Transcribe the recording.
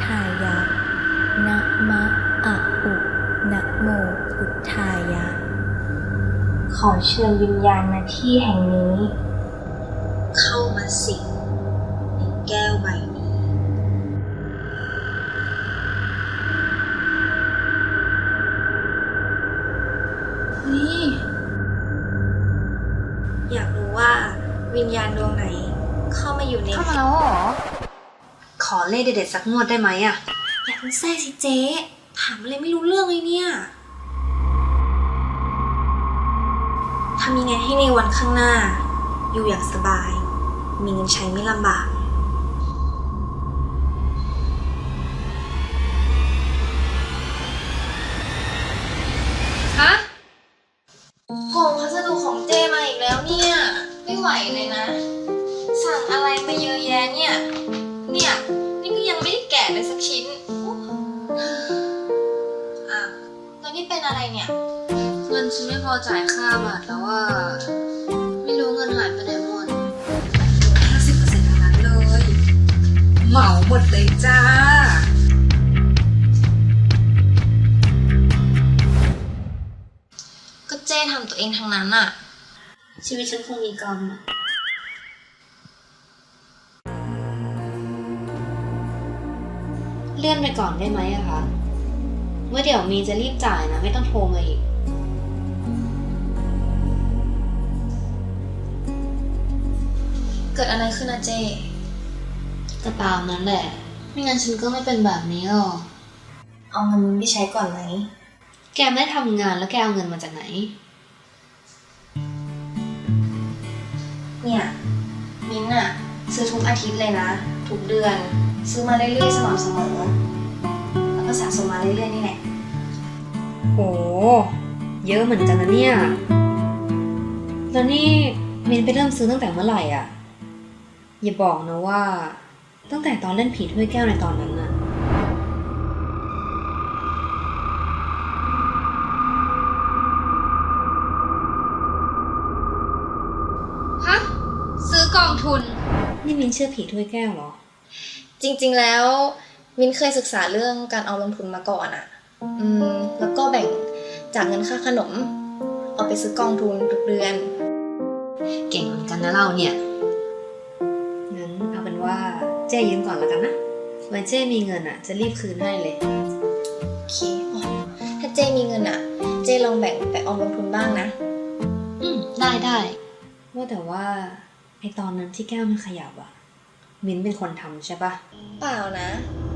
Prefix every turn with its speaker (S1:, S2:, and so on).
S1: ายะนะมะอะอุนะโมพุทธายะขอเชิญวิญญาณณที่แห่งนี้เข้ามาสิงในแก้วใบนี้นี่อยากรู้ว่าวิญญาณดวงไหนเข้ามาอยู่ใน
S2: เข้ามาแล้วเหรอขอเลขเด็ดๆสักงวดได้ไหมอะ
S1: อย่าเพิ่งแทรกสิเจ๊ถามอะไรไม่รู้เรื่องเลยเนี่ยทำยังไงให้ในวันข้างหน้าอยู่อย่างสบายมีเงินใช้ไม่ลำบาก
S2: ฮะ
S1: ของพัสดุของเจมาอีกแล้วเนี่ยไม่ไหวเลยนะสั่งอะไรมาเยอะแยะเนี่ยนี่ก็ยังไม่ได้แกะเลยสักชิ้นอ้าวแล้วนี่เป็นอะไรเนี่ย
S2: เงินฉันไม่พอจ่ายค่าบัตรแล้วว่าไม่รู้เงินหายไปไหนหมด50%ทั้งนั้นเลยเหมาหมดเลยจ้า
S1: ก็เจ้ทำตัวเองทั้งนั้นอะชีวิตฉันคงมีกรรมอะ
S2: เลื่อนไปก่อนได้ไหมอะคะเมื่อเดี๋ยวมีจะรีบจ่ายนะไม่ต้องโทรมาอีก
S1: เกิดอะไรขึ้นนะเจ้
S2: ก็ตามนั้นแหละไม่งั้นฉันก็ไม่เป็นแบบนี้หรอก
S1: เอาเงินไปใช้ก่อนไหม
S2: แกไม่ทำงานแล้วแกเอาเงินมาจากไหน
S1: เนี่ยมิ้นท์อะซื้อทุกอาทิตย์เลยนะทุกเดือนซื้อมาเรื่อยๆสม่ำเสมอแล้วก็สะสมมาเรื่อยๆนี่แหละ
S2: โหเยอะเหมือนกันนะเนี่ยแล้วนี่เมนไปเริ่มซื้อตั้งแต่เมื่อไหร่อ่ะอย่าบอกนะว่าตั้งแต่ตอนเล่นผีถ้วยแก้วในตอนนั้นน่ะฮะซื้อกองทุนนี่มินเชื่อผีถ้วยแก้วเหรอ
S1: จริงๆแล้วมิ้นเคยศึกษาเรื่องการเอาลงทุนมาก่อนอะแล้วก็แบ่งจากเงินค่าขนมเอาไปซื้อกองทุนทุกเดือน
S2: เก่งเหมือนกันนะเราเนี่ยงั้นเอาเป็นว่าเจ้ยืมก่อนแล้วกันนะไว้เจ้มีเงินอะจะรีบคืนให้เลย
S1: โอเคถ้าเจ้มีเงินอะเจ้ลองแบ่งไปออมลงทุนบ้างนะ
S2: ได้ว่าแต่ว่าไอตอนนั้นที่แก้วมันขยับอะมิ้นเป็นคนทำใช่ปะ
S1: เปล่านะ